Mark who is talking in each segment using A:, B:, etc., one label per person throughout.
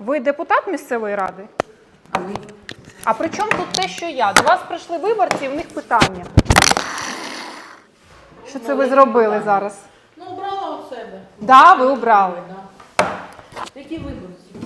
A: Ви депутат місцевої ради?
B: А ви?
A: А при чому тут те, що я? До вас прийшли виборці, і в них питання. Що це ви зробили зараз?
B: Ну, обрала у себе.
A: Так, да, ви обрали.
B: Да. Які виборці?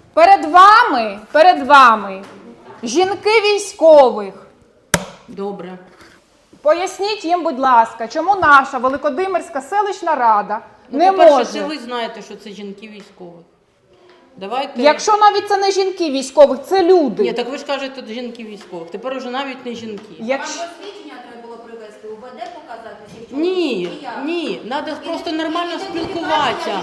A: Перед вами жінки військових.
B: Добре.
A: Поясніть їм, будь ласка, чому наша Великодимирська селищна рада
B: Ну,
A: не
B: по-перше,
A: може...
B: це ви знаєте, що це жінки військових. Давайте...
A: Якщо навіть це не жінки військових, це люди.
B: Ні, так ви ж кажете, жінки військових. Тепер уже навіть не жінки.
A: Якщо...
C: Вам посвідчення треба було привезти, УБД показати?
B: Ні, треба просто нормально спілкуватися.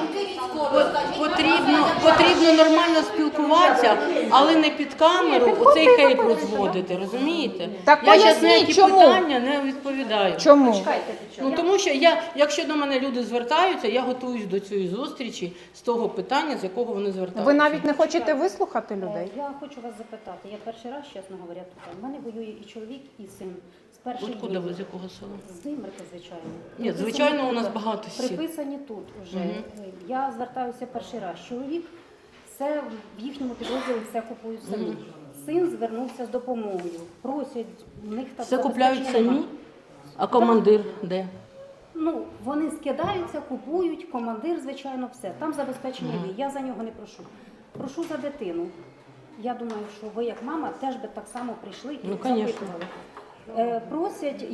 B: Потрібно нормально спілкуватися, але не під камеру оцей хейт розводити, розумієте?
A: Так
B: я зараз на
A: поясніть,
B: які
A: чому?
B: питання не відповідаю.
A: Чому?
B: Ну, тому що якщо до мене люди звертаються, я готуюсь до цієї зустрічі з того питання, з якого вони звертаються.
A: Ви навіть не хочете вислухати людей?
D: Я хочу вас запитати. Я перший раз, чесно говоря, тут. У мене воює і чоловік, і син. З перших
B: Откуда
D: днів.
B: ви, з якого села?
D: З Димирки, звичайно.
B: Ні,
D: Приписані
B: звичайно, у
D: тут.
B: нас багато сіл.
D: Приписані тут вже. Я звертаюся перший раз. Чоловік все в їхньому підрозділі все купують самі. Син звернувся з допомогою. Просять, в них так
B: Все купляють
D: забезпечення
B: самі?
D: нема.
B: А командир де?
D: Ну, вони скидаються, купують, командир, звичайно, все. Там забезпечення є. Я за нього не прошу. Прошу за дитину. Я думаю, що ви, як мама, теж би так само прийшли і
B: Ну, конечно.
D: запитували. Просять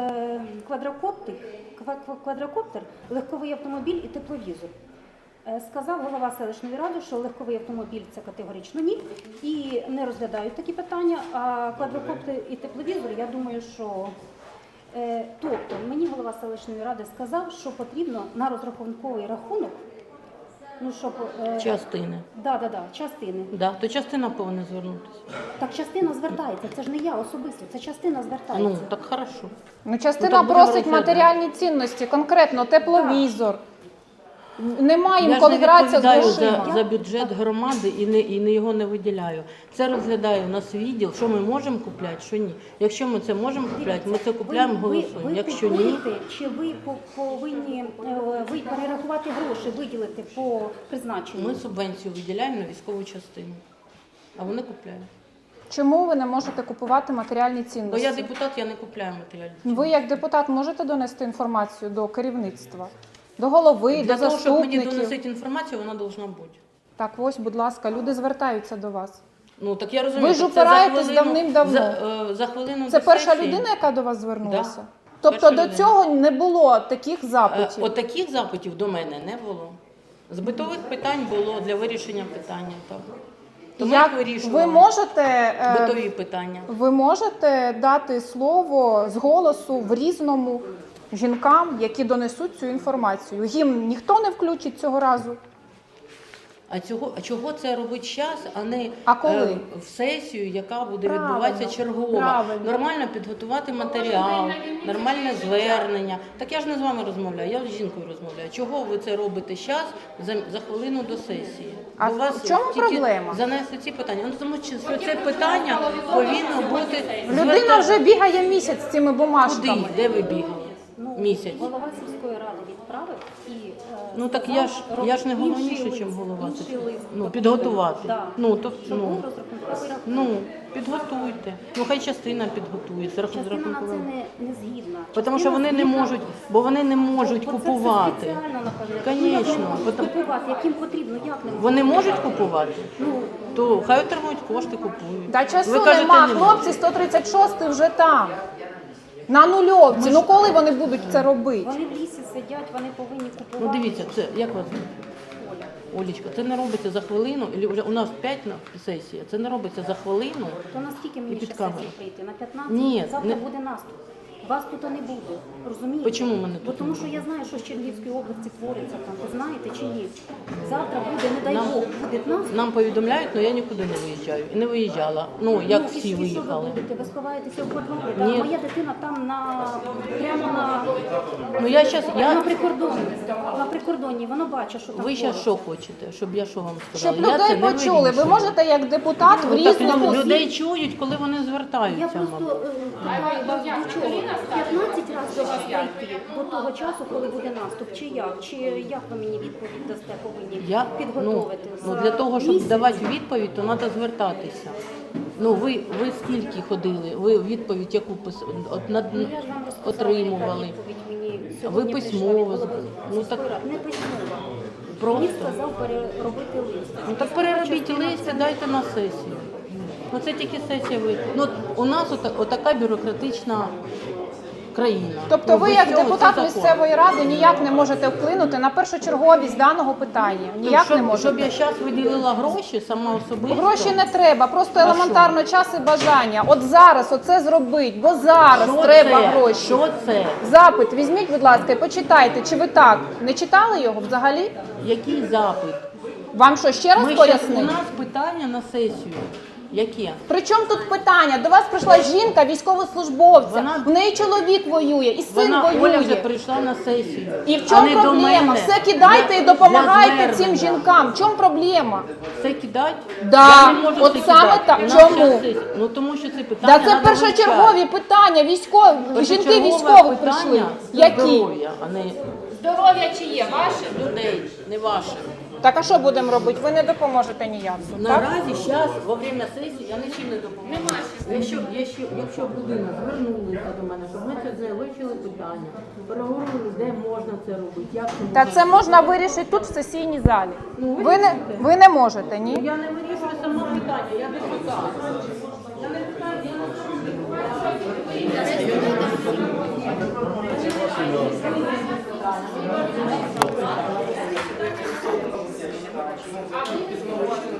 D: квадрокоптер, легковий автомобіль і тепловізор. Сказав голова селищної ради, що легковий автомобіль – це категорично ні, і не розглядають такі питання, а квадрокоптер і тепловізор, я думаю, що... Тобто, мені голова селищної ради сказав, що потрібно на розрахунковий рахунок, ну, щоб...
B: Частини.
D: Частини.
B: Да, то частина повинна звернутися.
D: Так частина звертається, це ж не я особисто, це частина звертається.
B: Ну, так хорошо.
A: Ну, частина
B: Ну, так будемо
A: просить
B: розглядати.
A: матеріальні цінності, конкретно тепловізор. Немає
B: Я
A: їм
B: ж не
A: коли гратися з
B: відповідаю
A: грошима.
B: за бюджет громади і його не виділяю. Це розглядає у нас відділ, що ми можемо купляти, що ні. Якщо ми це можемо купляти, ми це купляємо, голосуємо. Якщо ні,
D: купуєте, чи ви повинні ви перерахувати гроші, виділити по призначенню?
B: ми субвенцію виділяємо на військову частину, а вони купляють.
A: Чому ви не можете купувати матеріальні
B: Бо
A: цінності?
B: я депутат, я не купляю матеріальні.
A: Ви як депутат можете донести інформацію до керівництва? До голови,
B: Для
A: до
B: того, щоб мені
A: заступників?
B: доносити інформацію, вона повинна бути.
A: Так, ось, будь ласка, люди звертаються до вас.
B: Ну, так я розумію,
A: Ви ж
B: так це за
A: упираєтесь
B: хвилину-
A: давним-давно.
B: За хвилину
A: Це
B: до
A: перша
B: сесії.
A: людина, яка до вас звернулася?
B: Да.
A: Тобто
B: Перша
A: до
B: людина.
A: цього не було таких запитів?
B: От таких запитів до мене не було. З битових питань було для вирішення питання. Так. То ми їх вирішували. Битові питання.
A: Ви можете дати слово з голосу в Різному жінкам, які донесуть цю інформацію? Їм ніхто не включить цього разу?
B: А чого це робить час, а не
A: коли?
B: В сесію, яка буде
A: Правильно,
B: відбуватися чергова?
A: правильно.
B: Нормально підготувати матеріал, нормальне звернення. Так я ж не з вами розмовляю, я з жінкою розмовляю. Чого ви це робите зараз за хвилину до сесії?
A: А
B: До вас
A: в чому
B: тільки
A: проблема?
B: занесли ці питання. Ну, тому що це питання повинно бути...
A: Людина вже бігає місяць з цими
B: Куди?
A: бумажками.
B: Де ви бігали? Місяць.
D: Голова сільської ради відправив і
B: Ну так я ж не головніше, ніж голова.
D: інший лист.
B: Ну, підготувати.
D: Да.
B: Ну, то,
D: Щоб
B: ну,
D: був розрахунковий рахунок.
B: ну, підготуйте. Ну, хай частина підготує. Це
D: Частина на це
B: рахункове.
D: не згідна.
B: Тому що вони не можуть, бо вони не можуть
D: Бо це
B: купувати.
D: все спеціально, напевне.
B: Конечно.
D: Ну, як купувати, яким потрібно, як не можуть?
B: Вони можуть купувати,
D: Ну,
B: то хай отримують кошти, купують.
A: Та часу
B: Ви кажете,
A: нема,
B: ні.
A: хлопці 136 вже там. На нульовці. Ну коли вони будуть це робити?
D: вони в лісі сидять, вони повинні купувати.
B: Ну дивіться, це як вас звати?
D: Оля.
B: Олічка, це не робиться за хвилину, і вже у нас 5 на сесія, це не робиться за хвилину.
D: То наскільки мені
B: під
D: ще
B: камеру.
D: сесії прийти? На 15?
B: Ні,
D: Завтра
B: не-
D: буде наступ. Вас тут не буде, розумієте?
B: Чому мене
D: Бо
B: тут
D: тому
B: не
D: що
B: буде?
D: я знаю, що з Чернігівської області твориться там. Ви знаєте чи ні? Завтра буде, не дай
B: Нам-
D: Бог, буде наступ.
B: Нам повідомляють, але я нікуди не виїжджаю. І не виїжджала. Ну, як
D: Ну,
B: всі
D: і що
B: виїхали.
D: ви будете? Ви сховаєтеся в подвалі?
B: Ні.
D: Моя дитина там прямо
B: Ну я щас,
D: на прикордоні. На прикордоні, воно бачить, що там
B: ви зараз
D: твориться.
B: що хочете, щоб я що вам сказала?
A: Щоб
B: Я це
A: людей
B: не
A: почули. Ви
B: вирішую.
A: можете як депутат в
B: Ну, так
A: Різному...
B: людей чують, коли вони
D: Я
B: звертаються.
D: просто
B: мабуть.
D: питаю вас до чого. 15 разів до вас прийти до того часу, коли буде наступ, чи як? Чи як ви мені відповідь дасте, повинні
B: Я,
D: підготовити?
B: ну,
D: За
B: для того, щоб
D: місяць?
B: давати відповідь, то треба звертатися. Ну, ви скільки ходили? Ви відповідь яку
D: Ну, я ж вам розказала,
B: отримували?
D: яка відповідь мені
B: Ви
D: сьогодні
B: письмово
D: прийшла від голови
B: ну, так-
D: сільської ради. Не письмово.
B: Просто?
D: Мені сказав переробити лист.
B: Ну так переробіть лист і дайте на сесію. Ну це тільки сесія ви. Ну у нас отака бюрократична країна.
A: Тобто
B: Ну,
A: ви,
B: без
A: як
B: цього
A: депутат
B: це закон.
A: місцевої ради, ніяк не можете вплинути на першочерговість даного питання. Ніяк
B: щоб,
A: не можете.
B: щоб я зараз виділила гроші сама особисто.
A: Гроші не треба, просто
B: А
A: елементарно час і бажання. От зараз оце зробить, бо зараз
B: Що
A: треба
B: це?
A: гроші.
B: Що це?
A: Запит візьміть, будь ласка, і почитайте, чи ви так не читали його взагалі?
B: Який запит?
A: Вам що ще раз
B: У
A: пояснити?
B: нас питання на сесію. Яке?
A: Причому тут питання? До вас прийшла жінка, військовослужбовця,
B: Вона-
A: в неї чоловік воює, і син
B: Вона Оля вже
A: воює.
B: прийшла на сесію.
A: І в
B: а
A: чому
B: не до
A: проблема?
B: мене.
A: Все кидайте і
B: Для
A: допомагайте цим
B: звернення.
A: жінкам. В чому проблема?
B: Все кидати?
A: Да,
B: Я не можу
A: от
B: все
A: саме
B: кидати.
A: так.
B: У нас
A: Чому?
B: щас сесія. Ну тому що це питання.
A: Да це
B: надо
A: першочергові
B: вивчати.
A: питання, жінки
B: Першочергове
A: військових прийшли.
B: питання це
A: Які?
B: здоров'я, а не
C: Здоров'я чи є ваше?
B: людей, не ваше.
A: Так а що будемо робити? Ви не допоможете ніяк. Так?
B: Наразі зараз, во время сесії, я нічим не допоможу. Якщо б людина звернулася до мене, щоб ми це вивчили питання, переговорили, де можна це робити, як це
A: Та
B: можна
A: це можна вирішити тут, в сесійній залі.
B: Ну,
A: Ви не можете, ні?
B: Я не вирішую сама питання, я депутат. Я не питаю, я не